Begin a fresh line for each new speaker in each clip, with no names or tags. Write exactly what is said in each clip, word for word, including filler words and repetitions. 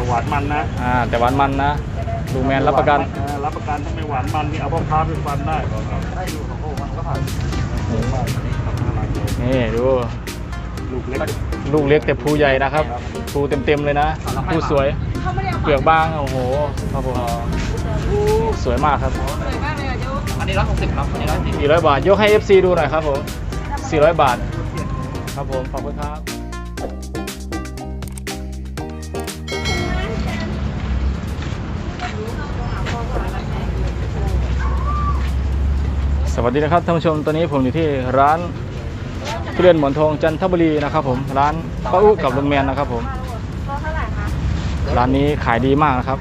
หวานมันนะ
อ่าแต่หวานมันนะลุงแมนรับประกัน
รับประกันถ้าไม่หวานมันนี่เอาพ่อค้าไปฟันได้ได้ดูของพวกมันก็ผ่าน
นี่ดู
ลูกเล็ก
ลูกเล็กแต่ภูใหญ่นะครับภูเต็มๆเลยนะภูสวยเปลือกบางโอ้โหครับผมสวยมากครับ
อันนี้ร้อยหกสิบครับอันนี้ร้อยสี่สิบ
สี่ร้อยบาทยกให้ เอฟ ซี ดูหน่อยครับผมสี่ร้อยบาทครับผมขอบคุณครับสวัสดีนะครับท่านผู้ชมตอนนี้ผมอยู่ที่ร้านทุเรียนหมอนทองจันทบุรีนะครับผมร้านป้าอุ๊กับลุงแมนนะครับผมร้านนี้ขายดีมากนะครับ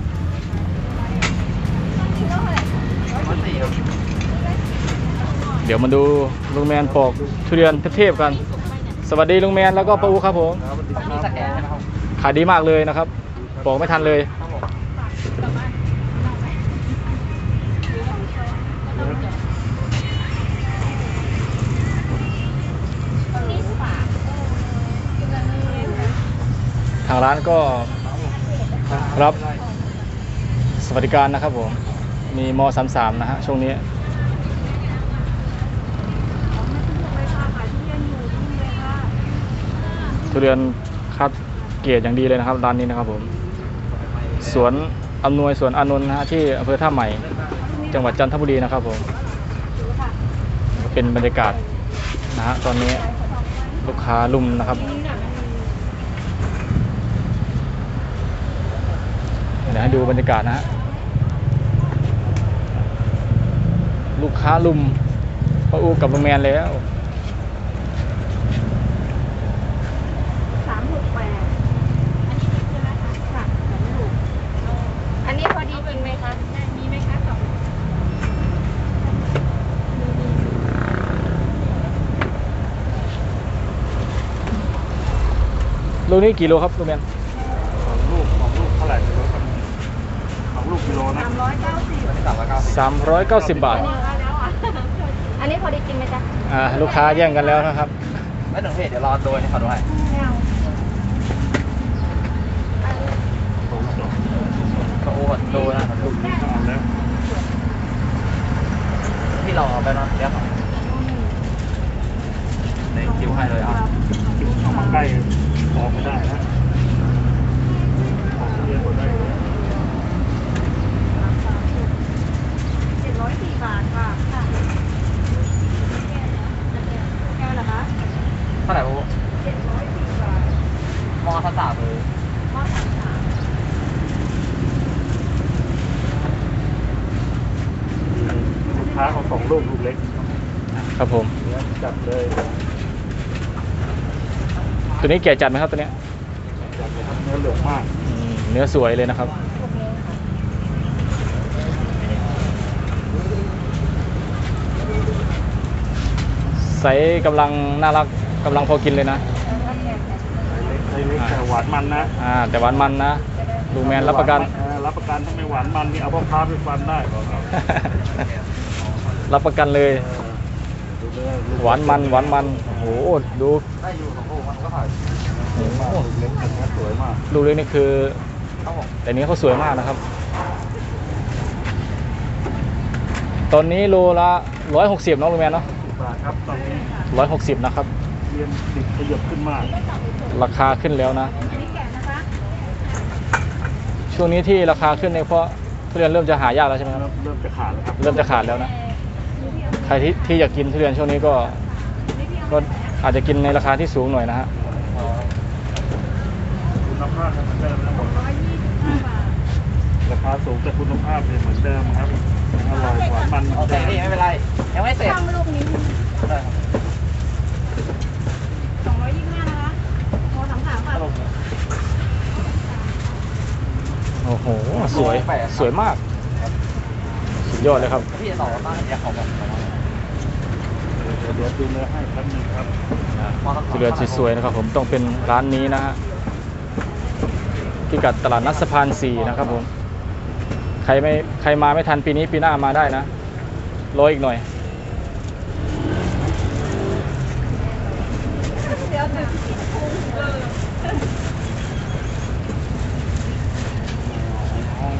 เดี๋ยวมาดูลุงแมนปอกทุเรียนเทพๆกันสวัสดีลุงแมนแล้วก็ป้าอุ๊ครับผมขายดีมากเลยนะครับปอกไม่ทันเลยทางร้านก็รับสวัสดิการนะครับผมมีม สามสิบสามนะฮะช่วงนี้ทุเรียนคัดเกรดอย่างดีเลยนะครับร้านนี้นะครับผมสวนอำนวยสวนอานนท์นะฮะที่อำเภอท่าใหม่จังหวัดจันทบุรีนะครับผมเป็นบรรยากาศนะฮะตอนนี้ลูกค้าลุ่มนะครับเดี๋ยวให้ดูบรรยากาศนะฮะลูกค้าลุมป้าอูกับลุงแมนแล้ว
สามหกแปดอันนี้พอดีจริงไหมคะมีไหมคะสอง
ลูกนี้กี่โลครับลุงแมน
ของลูกของลูกเท่าไหร่ไม่รู้ครับของลูกกิโลนะ
สามร้อยเก้าสิบ
สามร้อยเก้าสิบบาท
อันนี้พอดีจริงไหมจ๊ะ
อ่าลูกค้าแย่งกันแล้วนะครับ
ไม่ถึงเพจเดี๋ยวรอโดยให้เขาดูให้ก็โอ้โดนะลูกนี้ก็เอาแล้วพี่รอไปนอนเดี๋ยวเขาในคิวให้เลยอ่ะ
คิวเข้ามาใกล้ออกไม่ได้นะออกเรียนหมดได้
เจ็ดร้อยสี่บาทค่ะแก้วเหรอคะ
เท่าไหร่พวก
เจ็ดร้อยสี่บาท
มอสามเลย
มอสามสาม
ลูกค้าเขาสองลูกลูกเล็ก
ครับผม
จัดเลย
ตัวนี้แก่จัดไหมครับตัวนี้
จัดเลยครับเนื้อเหลืองมาก
เนื้อสวยเลยนะครับไซส์กำลังน่ารักกำลังพอกินเลยนะ
ไซส์เล็กแต่หวานมันนะ
อ่าแต่หวานมันนะลุงแมนรับประกัน
รับประกันถ้าไม่หวานมันนี่เอาพ่อค้าไปฟันได้
รับประกันเลยหวานมันหวานมันโอ้โหดู
ได้อยู่ของพวกมันก็ผ่าน
ลูกเล็กแต่เนื้อสวยมาก
ลูกเล็กนี่คือแต่นี้เขาสวยมากนะครับตอนนี้โลละร้อยหกสิบน้องลุงแมนเนาะ
บาทครับตอนนี้
ร้อยหกสิบนะครับ
เรียนติดขยับขึ้นมาก
ราคาขึ้นแล้วนะช่วงนี้ที่ราคาขึ้นเนี่ยเพราะทุเรียนเริ่มจะหายากแล้วใช่ไหมครับ
เริ่มจะขาดแล้วครับ
เริ่มจะขาดแล้วนะใครที่ที่อยากกินทุเรียนช่วงนี้ก็ก็อาจจะกินในราคาที่สูงหน่อยนะฮะ
คุณภาพเหมือนเดิมนะผมราคาสูงแต่คุณภาพเนี่ยเหมือนเดิมครับอร่อยหวานมัน
โอเคพี่ไม่เป็นไรยังไม่เสร็จ
ลูกนี้สองร้อยยี่สิบห้านะคะโทรสามสามบาท
โอ้โหสวยสวยมากสุดยอดเลยครับ
พี่จะต่อบ้านเดี๋ยวเขาบอก
เดี๋ยวดูเนื้อให้แป๊บนึงครับ
ทุเรียนสวยๆนะครับผมต้องเป็นร้านนี้นะฮะพิกัดตลาดนัดสะพานสี่นะครับผมใครไม่ใครมาไม่ทันปีนี้ปีหน้ามาได้นะรออีกหน่อย
เดี๋ยว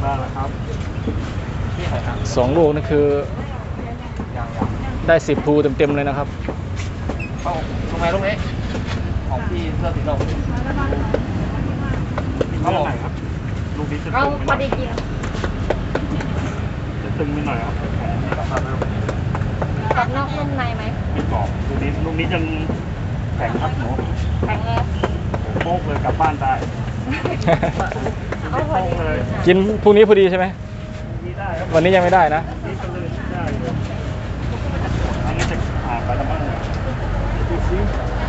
ได้แล้วครับ
พี่หอยทาก
สองลูกนี่คือ
ยังยัง
ได้สิบภูเต็มๆเลยนะครับ
เข้าลงมาลูกนี้ของพี่เสื้อสีดำ
นี่เท่าไหร่ครับลูกนี้จะ
เอา
ตึง
พ
ไป
อ
หน่
ดี
อย
กิน
จะตึงไปหน่อยครับ
กรอบนอกนุ่มในไหม
ไม่กรอบลูกนี้ลูกนี้ยังแข็งครับหนู
แข็งเลย
โป๊กเลยกลับบ้านได้
เอาพอดีกินอ่ะ
กินพรุ่งนี้พอดีใช่ไหม
นี่ได้ครับ
วันนี้ยังไม่ได้นะ
นี่ก็เลยได้เลยอันนี้จะผ่านไปแล้วมั้งดูซิ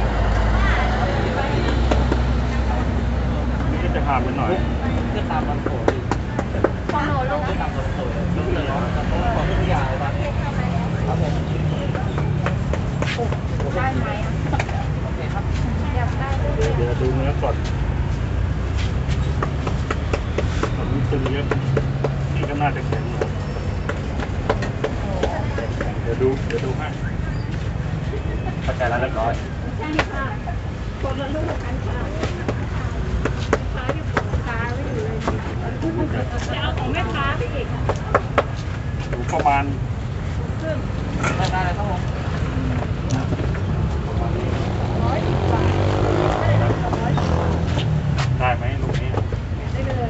นี่ก็จะผ่านไปหน่อย
เสื้อตามมันโผล่
ของหนูลูก
ตามมันโผล่ลูกเลยเนาะของทุกอย่างเลยครับครับผม
ได้ไหมอ่ะ
โอเคครับ
อยากได้ลูก
เดี๋ยวเดี๋ยวดูเนื้อก่อนอันนี้ตึงเยอะนี่ก็น่าจะแข็งหน่อยเดี๋ยวดูเดี๋ยวดูให้
เข้าใจแล้วเรียบร้อย
ใช่ค่ะคนละลูกกันค่ะค้าอยู่ของค้าไม่อยู่เลยจะเอาของแม่ค้าไปอีก
ดูประมาณ
ซึ่ง
ได้ได้เลยครับผม
ประมาณนี้
ร้อยสิบบาทร้อยสิบบาท
ได้ไหมลูกนี้
ได้เลย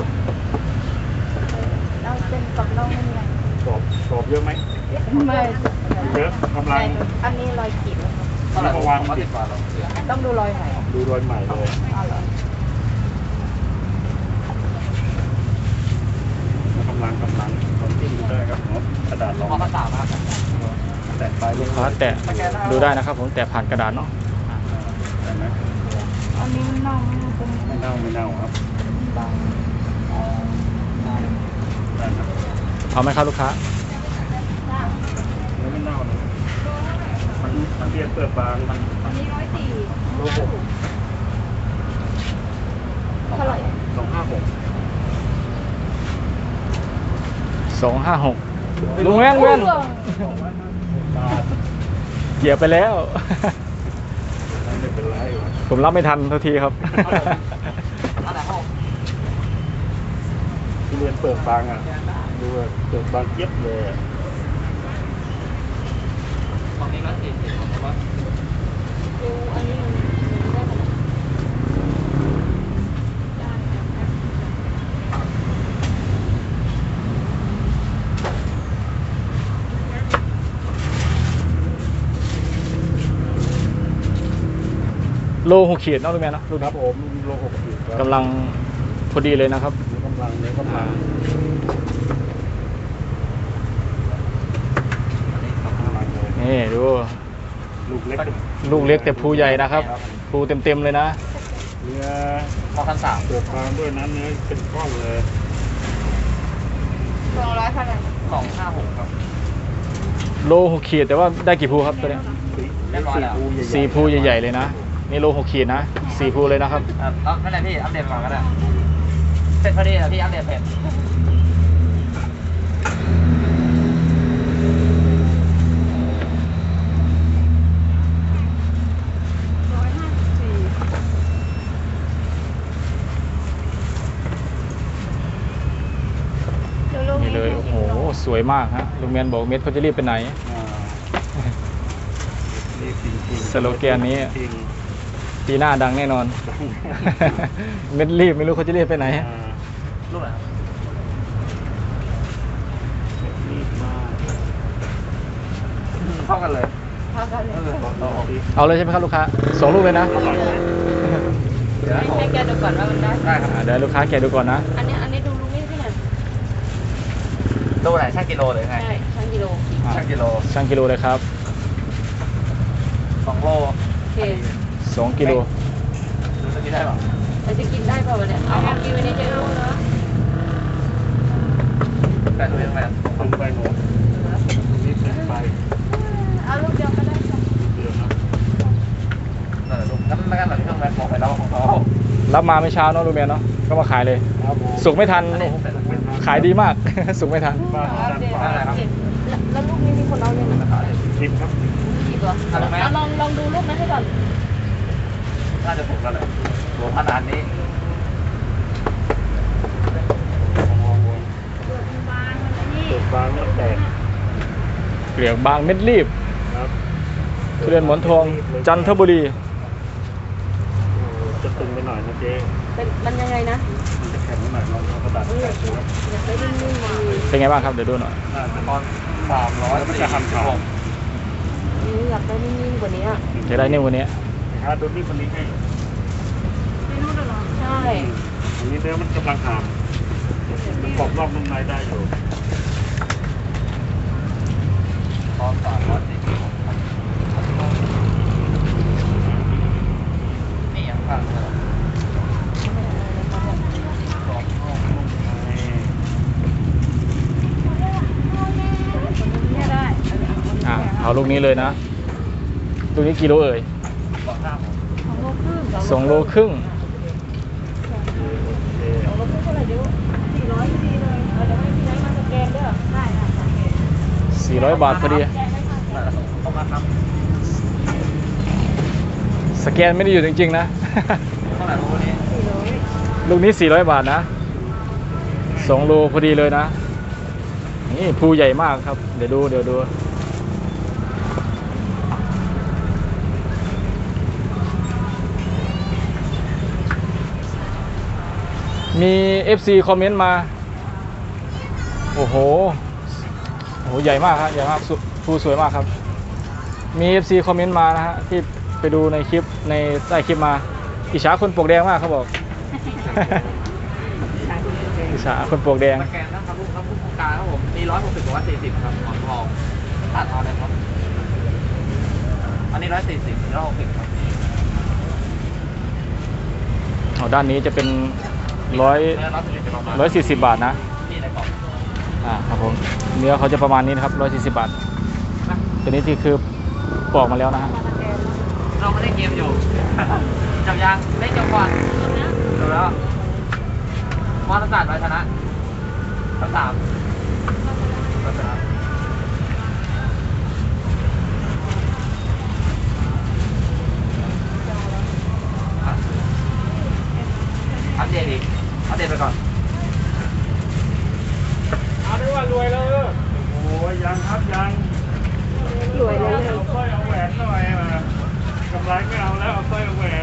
เราเป็นกับเราไม่มีอะไร
กรอบกรอบเยอะไหม
ไม่
เยอะกำลัง
อันนี้รอยขีด
เท่าไหร่ผมวางมาติดบาทเรา
ต้องดูรอยไหน
ดูรอยใหม่เลย
อ๋อเหรอก
ำลังกำลังตอนที่ดูได้ครับเนาะกระดาษรอง
มองภาษามาก
แตะไป
ลูกค้าแตะดูได้นะครับผมแตะผ่านกระดาษเนาะ
ได้ไหม
อันนี้มันน่องเป็น
ไม่เน่าไม่เน่าครับ
บาง
ได้ครับ
เอาไหมครับลูกค้า
เนื้อไม่เน่านะมันมันเรียนเปลือกบางมัน
อันนี้ร้อยสี่
โลหก
เท่าไหร่
สองห้าหก
สองห้าหกลุงแม่งเว้น
บาท
เหยียบไปแล้ว
ไม่เป็นไร
ผมรับไม่ทันเท่าทีครับ
อันไหนครับผม
ที่เรียนเปลือกบางอ่ะดูว่าเปลือกบางเจี๊ยบเลยอะ
ฝั่งนี้ก็สี่สิบผมว่า
ดูอันนี้มันได้ขนาด
โลหกขีดเนาะลุงแม่เนาะลูก
ครั
นี้
บผมโลหกขีดครับ
กำลังพอดีเลยนะครับ
เนื้อกำลังเนื้อกำลั
อ่าง
กำลังเลย
นี่ดู
ลูกเล็ก
ลูกเล็กแต่ภูใหญ่นะครับภูเต็มๆเลยนะ
เนื้อ
มองพันสาม
เปลือกบางด้วยนะเนื้อเป็นก้อนเลย
สองร้อยเท่าไหร่
สองห้าหกครับ
โลหกขีดแต่ว่าได้กี่ภูครับตัวเนี้ย
เรียบร้อยแล้ว
สี่ภูใหญ่ๆเลยนะนี่โลหกขีดนะสี่ภูเลยนะครับ
อ่ะเอานั่นแหละพี่อัปเดตก่อนก็ได้เสร็จพอดีแล้วพี่อัปเดตเพจ
ร้อยห้าสิบสี่
นี่เลยโอ้โหสวยมากฮะลุงแมนบอกเม็ดเขาจะรีบไปไหน
อ่านี่จริงๆ
สโลแกนนี้
จริง
ปีหน้าดังแน่นอน เม็ดรีบไม่รู้เขาจะรีบไปไหน
อ่า
รูปไหนครับ
รีบมาก
เข้ากันเลย
เท่ากันเลย
เอาออก
เอาเลยใช่ไหมครับลูกค้าสองลูกเลยนะ
เดี๋ยวนะ
ให้แกดูก่อนว่ามันได้
ได้ครับ
อ่าเดี๋ยวลูกค้าแกะดูก่อนนะ
อันนี้อันนี้ดูลูกนี่ที่ไหน
ตู้ไหนช่างกิโลหรือไง
ใช่ช่างกิโล
ช่างกิโล
ช่างกิโลเลยครับ
สองโล
โอเค
สองกิโล
ดูจะกินได้เปล่า
เราจะกินได้เปล่าวะเนี่ยเอาเอากินวันนี้จะรู้เนาะ
แต่ดูยังไง
ตึงไปหนูรีบตึงไป
เอาลูกเดียวก็ได้ค่ะ
เดือนนะ
นั่นแหละลูกงั้นไม่งั้นหลังเครื่องแม็กบอกไปแล้วของเขา
รับมาไม่เช้าเนาะลุงแมนเนาะก็มาขายเลย
ครับผม
สุกไม่ทัน
อันนี้เสร็จแล้ว
ขายดีมาก สุกไม่ทัน
บ้าน
เอา
ด้าน
เดี๋ยว
ขวา
เอาเดี๋ยวแล้วแล้วลูกนี้มีคนเอาเลยไหม
ราคาเนี่ย
ชิมครับ
กี่ตัวเอาลองลองดูลูกนั้นให้ก่อน
น่าจะถูกแล้วแหละรวมขนาดนี้
ลองลอง
เปลือกบางเม็ดรีบ
ครับ
ทุเรียนหมอนทองจันทบุรี
โอ้จะตึงไปหน่อยนะเจ๊
เป็นมันยังไงนะ
มันจะแข็งไปหน่อยลองเอากระดาษแปะดูครับ
อยากไปนิ่งๆมันมี
เป็นไงบ้างครับเดี๋ยวดูหน่อย
น่าจะ
ตอนสามร้อย
แล้วมันจะหั่นขาด
อยากไปนิ่งๆกว่านี้
จะได้เนี่ยวันนี้
นะครับดูนี่คนนี้ให้
ไม่รู้หรอใช่
อันนี้เนื้อมันกำลังหามมันกรอบนอกนุ่มในได้อยู่
ตอนสามร้อยสี่สิบหกนี่ยังฟังเลยกรอบนอกนุ่มใน
เนี่ยได้
อ่าเอาลูกนี้เลยนะลูกนี้กิโลเอ่ย
สองห้าหก
สองโลครึ่ง
สองโลครึ่ง
สองโลครึ่งเท่าไหร่เดี๋ยวสี่ร้อยพอดีเลยเดี๋ยวให้พี่นายมาสแกนเด้อได้ค่ะสแกน
สี่ร้อยบาทพอดี
ต้องมาท
สแกนไม่ได้อยู่จริงๆนะ
ำเท่าไหร่รู้นี้
สี่ร้อย
ลูกนี้สี่ร้อยบาทนะสองโลพอดีเลยนะนี่ภูใหญ่มากครับเดี๋ยวดูเดี๋ยวดูมี เอฟ ซี คอมเมนต์มา โอ้โหโอ้โห ใหญ่มากครับใหญ่มากสุภูสวยมากครับ มี เอฟ ซี คอมเมนต์มานะฮะที่ไปดูในคลิปในใต้คลิปมาอิจฉาคนปลวกแดงมากเขาบอก อิจฉาคนปลวกแดง
สแกนนะครับลูกครับลูกโครงการครับผมมีร้อยหกสิบกับร้อยสี่สิบครับหมอนทองตัดเอาเลยครับ อันนี้ร้อยสี่สิบร้อยหกสิบครับ
อ๋อด้านนี้จะเป็นร้อย
เนื้อร้อยสี่สิบประมาณ
ร้อยสี่สิบบาทนะ
นี่ในกล่อง
อ่าครับผมเนื้อเขาจะประมาณนี้นะครับร้อยสี่สิบบาทตัวนี้ที่คือปอกมาแล้วนะฮะ
เราไม่ได้เกมอยู่ จับยางเล่นจับก่อนจบแล้วมอสศาสตร์ไปชนะทั้งสามไปชนะอ่ะอัปเดตอีกอัปเดตไปก่อน
เอาได้ว่ารวยแล้วเออโอ้ยยังครับยัง
รวยเลย
เอาสร้อยเอาแหวนหน่อยมากำไรไม่เอาแล้วเอาสร้อยเอาแหวน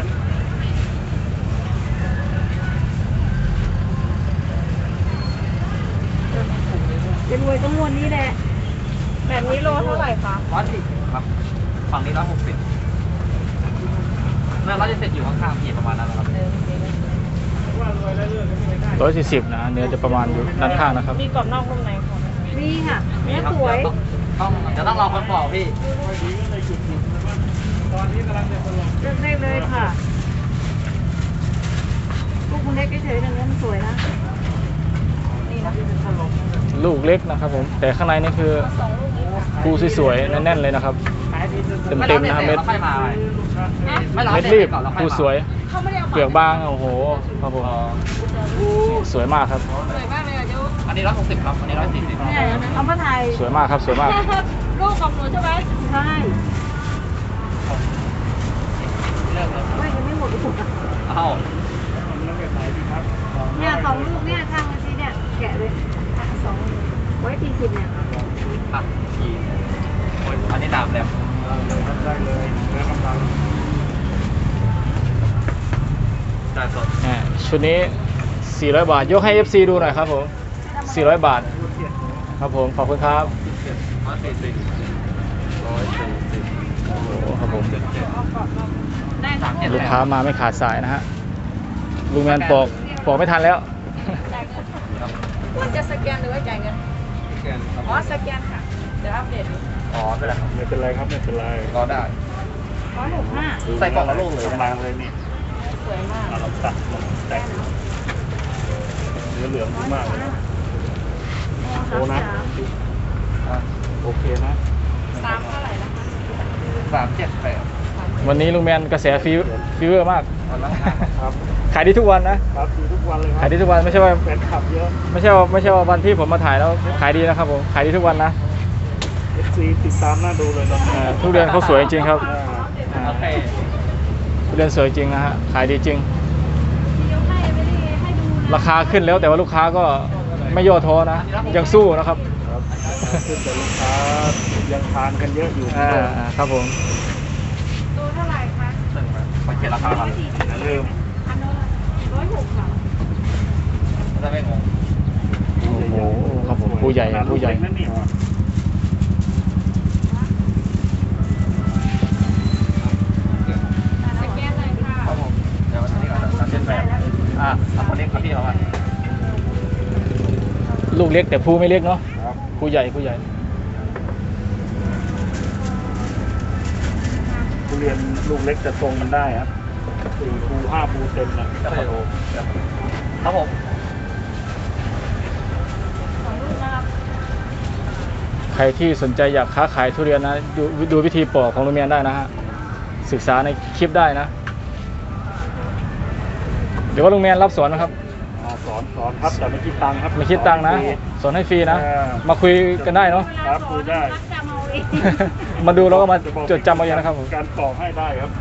จะรวยต้องมวนนี้แหละแบบนี้โลเท่าไหร่คะ
ร้อยสี่สิบครับ ฝั่งนี้ร้อยหกสิบเมื่อร้อยจะเสร็จอยู่ข้างๆพี่ประมาณนั้นแหละครับ
ว่ารวยแล้วเลิกก็ไม่ได้
ร้อยสี่สิบนะเนื้อจะประมาณอยู่ด้านข้างนะครับ
มีกรอบนอกนุ่มในค่ะมีค่ะเนื้อสวย
ต้องจะต้องรอคนบอกพี่
ค่อยดีก็เลยหยุดหยุดนะว่าตอนนี้กำลังจะสลบ
เลือกได้เลยค่ะลูกคุณเล็กเฉยๆแต่เนื้อมันสวยนะนี่นะ
ลูกเล็กนะครับผมแต่ข้างในนี่คือภูสวยๆแน่นๆเลยนะครับ เต็มเต็มๆนะครับเม็ด
ไม่มาใหม่ไม่รอ
เม็ด
เสร็
รี
จ
บ
ก่อนแล้วค่อย
ภู
มา
สวย
เขาไม่ได้เอา
เปลือกบางโอ้โหครับผมนี่สวยมากครับ
สวยมากเลยอ่ะเดี๋ยว
อันนี้ร้อยหกสิบครับ อันนี้ร้อยสี่สิบ
เนี่ยเอามาถ่าย
สวยมากครับสวยมาก
ลูกของหนูใช่ไหมใช่
เลือกเลย
ไม่ยังไม่หมดลูกอ่ะ
เอ้า
แล้วไปไหนดีครับ
เนี่ยสองลูกเนี่ยทางวันนี้เนี่ยแกะเลยอ่ะสองไว้สี่สิบเนี่ย
อ่ะขี่โอ้ยอันนี้ดาบแหลม
เอาเลยครับได้เลยเนื้อกำลัง
ดาบสด
อ่าชุดนี้สี่ร้อยบาทยกให้ เอฟ ซี ดูหน่อยครับผมสี่ร้อยบาทครับผมขอบคุณครับ
ร้อยสี่สิบร้อยสี่สิบ
โอ้โหครับผม
เจ็ดเจ็ด
ได้ทั้งหมด
ลูกค้ามาไม่ขาดสายนะฮะลุงแมนปอกปอกไม่ทันแล้ว
ควรจะสแกนหรือว่าจ่ายเงิน
แกนครับ
อ๋อสแกนค่ะ เดี๋ยวอัปเดตดู
อ๋อไม่เป็นไรครับ
ไม่เป็นไรครับไม่เป็นไร
รอได้
ร้อยหกห้า
ใส่กล่องละลูกเลย
กำลังเลยนี่
สวยมาก
เอาเราตัดลงแตกเนื้อเหลืองดีมากเลยนะโอ้นะ
อ่ะ
โอเคนะ
สามเท่าไหร่นะคะ
สามเจ็ดแปด
วันนี้ลุงแมนกระแสฟีฟีเวอร์มาก
วันละห้า
ครับ
ขายดีทุกวันนะครับ
ดูทุกวันเลยครั
ขายดีทุกวันไม่ใช่ว่า
แฟนคลับเยอะ
ไม่ใช่ว่าไม่ใช่ว่าวันที่ผมมาถ่ายแล้วขายดีนะครับผมขายดีทุกวันนะ
เอฟซีติดตามน่าดูเลยนะ
เอ่อทุเรียนเขาสวยจริงๆครับ
อ่า
อ่า
โอเค
ทุเรียนสวยจริงนะฮะขายดีจริง
ยกให้ไม่ได้ให้ดูนะ
ราคาขึ้นแล้วแต่ว่าลูกค้าก็ไม่ย่อท้อนะยังสู้นะครับ
ครับครับขึ้นแต่ลูกค้ายังทานกันเยอะอยู่
อ่าอ่าครับผม
ตัวเท่าไหร่คะ
ตึงไหมไปเขียนราคาครับ
อย่าลืม
อันโน้นร้อยหกค่ะ
จะไม่งง
โอ้โหครับผมผู้ใหญ่
ขนาดลู
ผู้
ก
ใหญ่
เล็กนั่นนี่หว่า
สแกนเลยค่ะ
ครับผมเดี๋ยววันนี้ก่อนตัดเส้นแบบอ่าเอาคนเล็กครับพี่เราอ่ะ
ลูกเล็กแต่ผู้ไม่เล็กเนาะ
ครับ
ผู้ใหญ่ผู้ใหญ่
ทุเรียนลูกเล็กจะทรงมันได้ครับสี่ภูห้าภูเต็มนะ
จะไปดูครับผม
สองลูกนะครับ
ใครที่สนใจอยากค้าขายทุเรียนนะดูดูวิธีปอกของลุงแมนได้นะฮะศึกษาในคลิปได้นะ เดี๋ยวว่าลุงแมนรับสอนนะครับ
อ่าสอนสอนครับแต่ไม่คิดตังค์ครับ
ไม่คิดตังค์นะ
สอให้ฟรี
สอนให้ฟรีนะ
เออ
มาคุยกันได้เนาะ
ครับคุยได้
มัดจำเอาเอง
มาดูแล้วก็มา
ะบอก
จดจำเอาเองนะครับผม
การปอกให้ได้ครับ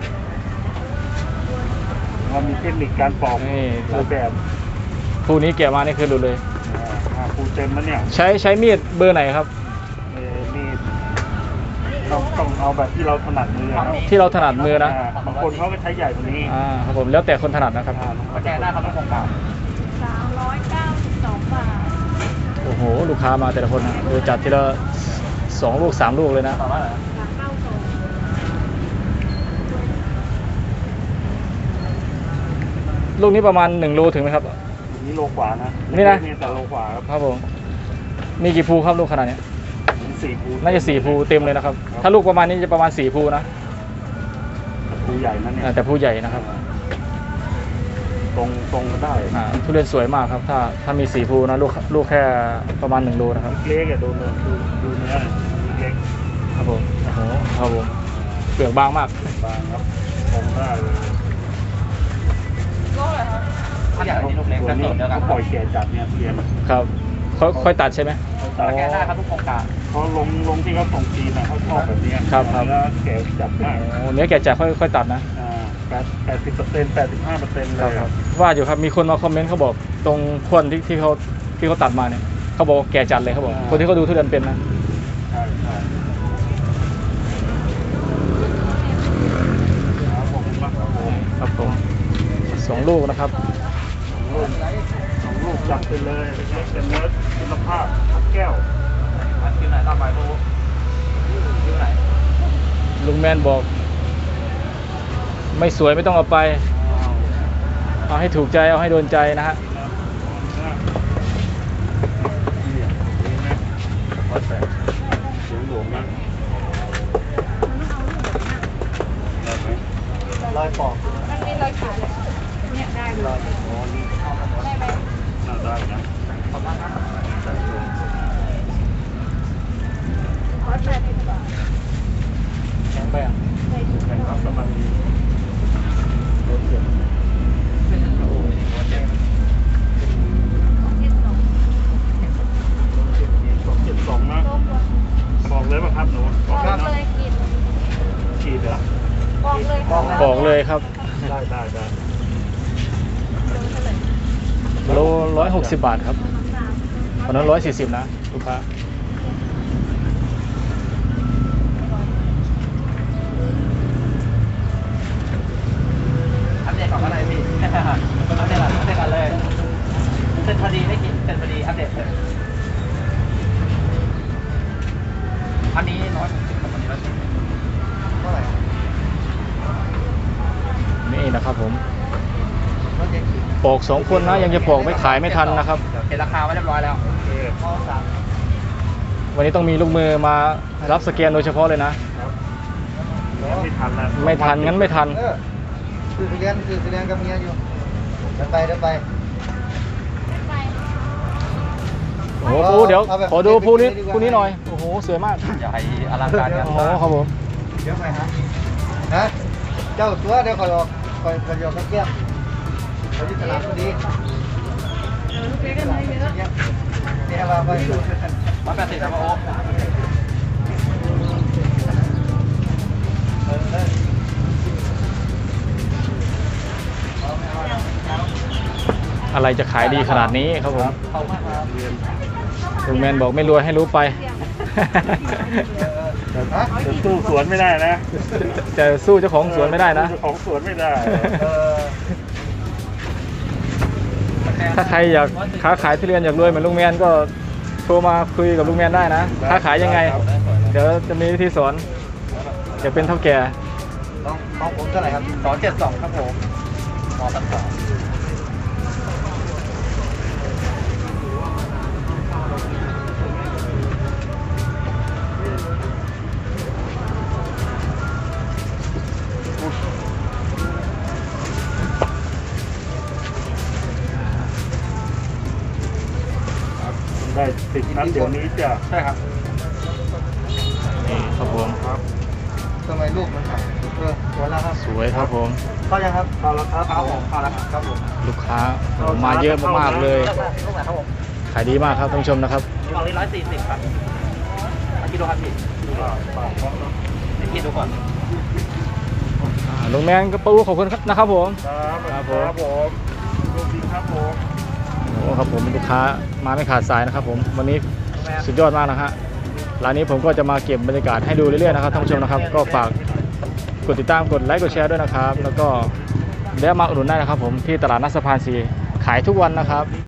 เรามีเทคนิคการปอก
นี่
หลายแบบ
ผู้นี้แกะมานี่คือดูเลย
อ่าห้าภูเต็มแล้วเนี่ย
ใช้ใช้มีดเบอร์ไหนครับ
เอ่อมีต้องต้องเอาแบบที่เราถนัดมือครับ
ที่เราถนัดมือนะ
อ่าบางคนเขาก็ใช้ใหญ่กว่านี้
อ่าครับผมแล้วแต่คนถนัดนะครับ
อ่า
มาแจ้งได้ครับทุกโครงการ
สามร้อยเก้าสิบสองบาท
โอ้โหลูกค้ามาแต่ละคนนะดูจัดทีละสองลูกสามลูกเลยนะ
ต่อมาเลย
สามเก้าสอง
ลูกนี้ประมาณหนึ่งโลถึงไหมครับ
อันนี้โลกว่านะ
นี่นะ
แต่โลกว่าครับ
ครับผมมีกี่ภูครับลูกขนาดเนี้ย
มีสี่ภู
น่าจะสี่ภูเต็มเลยนะครับ ถ้าลูกประมาณนี้จะประมาณสี่ภูนะ
ภูใหญ่นั่นเนี่ย
อ่าแต่ภูใหญ่นะครับ
ตรงตรงก็ได้
อ่าทุเรียนสวยมากครับ ถ้าถ้ามีสี่ภูนะลูกลูกแค่ประมาณหนึ่งโลนะครับ
เล็กอะดูเนื้อดูดูเนื้อเล็ก
ครับผมโอ้โหครับผมเปลือกบางมาก
บางครับตรงได้เลย
โลเลยครับ
ถ้าอยากให้ลูกเล็ก
ตัว
จะ
นี้
สดเดียวกัน
เขาปล่อยแก่จัดเนี่ยทุเรียน
ครับค่อยค่อยตัดใช่ไหม
ต่อแก้ได้ครับทุกโครงการ
เขาลงลงที่เขาส่งจีนนะเขาชอบแบบเนี้ย
ครับครับ
แล้วแก่จัดมาก
โอ้เนื้อแก่จัดค่อยค่อยตัดนะ
อ่าแปดแปดสิบเปอร์เซ็นต์แปดสิบห้าเปอร์เซ็นต์เลยครับ
ว่าอยู่ครับมีคนมาคอมเมนต์เขาบอกตรงคนที่ที่เขาที่เขาตัดมาเนี่ยเขาบอกว่าแก่จัดเลยเขาบอก
อ่า
คนที่เขาดูทุเรียนเป็นนะ
ใช่ใช่ครับผมมากครับผม
ครับผมสองลูกนะครับ
สองลูกสองลูกจัดไปเลยเป็นเนื้อคุณภาพแก้ว
อันคิวไหนต่อไปดูคิวไหน
ลุงแมนบอก ไม่สวยไม่ต้องเอาไป เอาให้ถูกใจเอาให้โดนใจนะฮะ
วัดแปดเสียงหลวงนะได้ไหมลอยปอก
มันมีรอยขาดเลยเนี่ยได้เลย
อ๋อนี่
ได้ไหม
น่าได้นะ
ขอบคุณครับ
ร้อยแปดสิบบาท
แข็งไปอ่ะ
ได้ดี
แข่งรับประมาณนี้รถเจ็บ
เป็นโอ้โหเจ็บ
เจ็ดสอง
สองเจ็ดสองนะ
โลกว่า
บอกเลยป่ะครับหนู
บอก
เลย
เลยกิน
ขีดเหรอ
บอกเลยค่ะ
บอกเลยครับ
ได้ได้ได้
โลร้อยหกสิบบาทครับตอนนั้นร้อยสี่สิบนะลูกค้า
อัปเดตก่อนก็ได้พี่อัปเดตก่อนอัปเดตก่อนเลยเสร็จพอดีไม่กินเสร็จพอดีอัปเดตเลยอันนี้น้อยอันนี้ร้อยสิบเท่าไหร่
นี่นะครับผมปอกสองคนนะยังจะปอกไม่ขายไม่ทันนะครับ
เห็นราคาไว้เรียบร้อยแล้ว
โอเค
วันนี้ต้องมีลูกมือมารับสแกนโดยเฉพาะเลยนะ
ครับแล้วไม่ทันแล้ว
ไม่ทันงั้นไม่ทัน
เออคือเรียนคือเรียนกับเมียอยู่เดินไปเดินไป
โอ้โหภูเดี๋ยวขอดูภูนี้ภูนี้หน่อยโอ้โหสวยมาก
อย่าให้อลังการงาน
โอ้โห
สร้าง
ครับผม
เดี๋ยวไปฮะนะเจ้าตัวเดี๋ยวคอยออกคอยคอยออกกับแก้มเขาที่ตลาดพอดี
ลูกเล็กกันเลยเยอะ
เนี่ยเนี่ยว่าไปอยู่
ร้อยแปดสิบนะพ่อโอ๊ค
เออเออ
อะไรจะขายดีขนาดนี้ครับผม
ขอบคุณมากครับ
เรียน
ลุงแมนบอกไม่รวยให้รู้ไป
ฮะ
จะสู้สวนไม่ได้นะ
จะสู้เจ้าของสวนไม่ได้นะ
เจ้าของสวนไม่ได้
เออ
ถ้าใครอยากค้าขายทุเรียนอยากรวยเหมือนลุงแมนก็โทรมาคุยกับลุงแมนได้นะค้าขายยังไง เดี๋ยวจะมีวิธีสอนจะเป็นเท่าแก่
น้องน้องผมเท่าไหร่ครับ
สองเจ็ดสองครับผมมอตัดสอง
ได้ติดนัดเดี๋ยวนี้จ้ะ
ใช่ครับ
นี่ครับผม
ทำไมลูกมันหายเออสวยแล้วครับ
สวยครับผม
เข้ายังครับ
เอาละครับ
เข้าผมเข้าแล้วครับครับผม
ลูกค้ามาเยอะมากๆเลย
ลูกไหนครับผม
ขายดีมากครับท่านผู้ชมนะครับ
กล่องนี้ร้อยสี่สิบครับเอากิโลครับพี่เดี๋ยวกินดูก่อน
อ่าลุงแมนกระปูขอบคุณนะครับผม
ครับ
ครับผม
ครับผมดูดีครับผม
โอ้ครับผมลูกค้ามาไม่ขาดสายนะครับผมวันนี้สุดยอดมากนะฮะร้านนี้ผมก็จะมาเก็บบรรยากาศให้ดูเรื่อยๆนะครับท่านผู้ชมนะครับ ก็ฝากกดติดตามกดไลค์กดแชร์ด้วยนะครับ แล้วก็แวะมาอุดหนุนได้นะครับผมที่ตลาดนัดสะพานสีขายทุกวันนะครับ